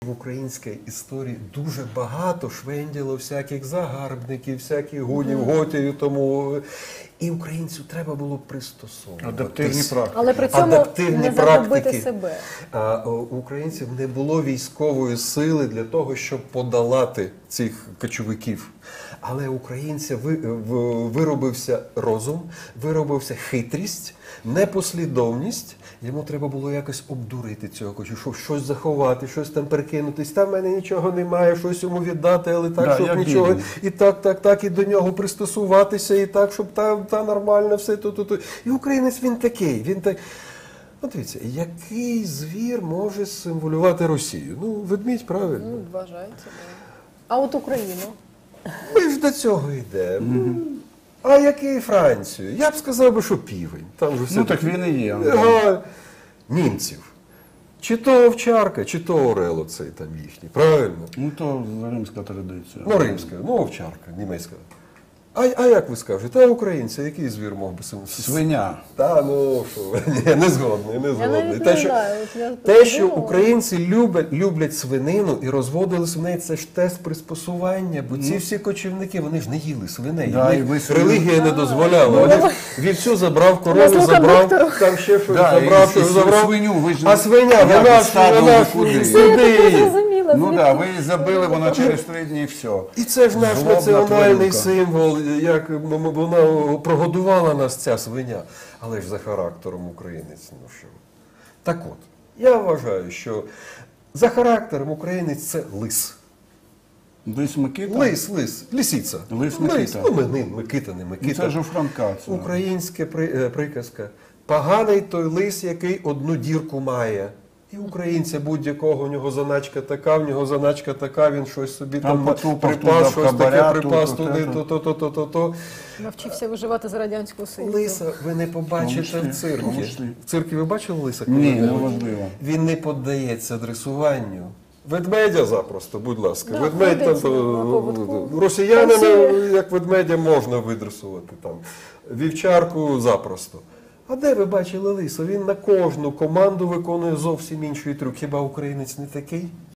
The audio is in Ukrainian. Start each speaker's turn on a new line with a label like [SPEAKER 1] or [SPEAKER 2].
[SPEAKER 1] В українській історії дуже багато швенділо всяких загарбників, всяких гунів, готів, тому і українцю треба було пристосовуватися.
[SPEAKER 2] Адаптивні практики.
[SPEAKER 3] Але при цьому не загубити себе.
[SPEAKER 1] У українців не було військової сили для того, щоб подолати цих кочовиків. Але українця виробився розум, виробився хитрість, непослідовність. Йому треба було якось обдурити цього кочу, щось заховати, щось там перекинутись. Там в мене нічого немає, щось йому віддати, але так,
[SPEAKER 2] Да,
[SPEAKER 1] щоб нічого.
[SPEAKER 2] бідний.
[SPEAKER 1] І так, і до нього пристосуватися, і так, щоб та нормально все тут. І українець він такий, він так. От дивіться, який звір може символювати Росію? Ну, ведмідь, правильно.
[SPEAKER 3] Ну, вважається, да. А от Україну?
[SPEAKER 1] Ми ж до цього йдемо. А який Францію? Я б сказав би, що півень. Там же все
[SPEAKER 2] Ну так він і є.
[SPEAKER 1] Німців. Чи то овчарка, чи то орел оцей там їхній. Правильно?
[SPEAKER 2] Ну то римська традиція.
[SPEAKER 1] Ну, римська, ну овчарка, німецька. А як ви скажете, а українці, який звір мог би
[SPEAKER 2] Свиня.
[SPEAKER 1] Та, ну що, ні, не згодний, не
[SPEAKER 3] Я
[SPEAKER 1] згодний.
[SPEAKER 3] навіть
[SPEAKER 1] Те,
[SPEAKER 3] не
[SPEAKER 1] що,
[SPEAKER 3] знаю. От я
[SPEAKER 1] те, що
[SPEAKER 3] подумала.
[SPEAKER 1] українці люблять свинину і розводили свиней, це ж тест приспосування, бо ці всі кочівники, вони ж не їли свиней.
[SPEAKER 2] Да,
[SPEAKER 1] Їх
[SPEAKER 2] і ви свиню-
[SPEAKER 1] релігія не дозволяла. Вони ж вівцю забрав, корову
[SPEAKER 3] Слуха
[SPEAKER 1] забрав,
[SPEAKER 3] доктору.
[SPEAKER 1] там ще щось
[SPEAKER 2] Да,
[SPEAKER 1] забрав,
[SPEAKER 2] і
[SPEAKER 1] щось забрав.
[SPEAKER 2] свиню ви ж
[SPEAKER 1] А свиня,
[SPEAKER 2] як
[SPEAKER 1] вона ж
[SPEAKER 2] стадо куди?
[SPEAKER 1] сюди.
[SPEAKER 3] Зрозуміла.
[SPEAKER 2] Ну так, да, ви її забили, вона через 3 дні і все.
[SPEAKER 1] І це ж наш
[SPEAKER 2] Злобна
[SPEAKER 1] національний
[SPEAKER 2] тваринка.
[SPEAKER 1] символ, як вона прогодувала нас, ця свиня. Але ж за характером українець, ну що. Так от, я вважаю, що за характером українець це лис.
[SPEAKER 2] Лис Микита?
[SPEAKER 1] Лис, лисиця.
[SPEAKER 2] Лис Микита.
[SPEAKER 1] Ну, Микита, не
[SPEAKER 2] Ну,
[SPEAKER 1] Микита.
[SPEAKER 2] це ж у Франка. Це.
[SPEAKER 1] Українська приказка. Поганий той лис, який одну дірку має. І українця будь-якого, у нього заначка така, в нього заначка така, він щось собі
[SPEAKER 2] Там потупав
[SPEAKER 1] припас,
[SPEAKER 2] туди,
[SPEAKER 1] щось таке
[SPEAKER 2] хабаря,
[SPEAKER 1] припас
[SPEAKER 2] тут,
[SPEAKER 1] туди,
[SPEAKER 2] тут,
[SPEAKER 1] то.
[SPEAKER 3] Навчився виживати за Радянського Союзу.
[SPEAKER 1] Лиса ви не побачите в циркі.
[SPEAKER 2] Помишли.
[SPEAKER 1] В циркі ви бачили лиса? коли
[SPEAKER 2] Ні,
[SPEAKER 1] ви-
[SPEAKER 2] неможливо.
[SPEAKER 1] Він не піддається дресуванню. Ведмедя запросто, будь ласка.
[SPEAKER 3] Да,
[SPEAKER 1] Ведмедь там,
[SPEAKER 3] ходить на поводку.
[SPEAKER 1] росіянина,
[SPEAKER 3] Танцює.
[SPEAKER 1] як ведмедя, можна видресувати. Там. Вівчарку запросто. А де ви бачили лиса? Він на кожну команду виконує зовсім інший трюк. Хіба українець не такий?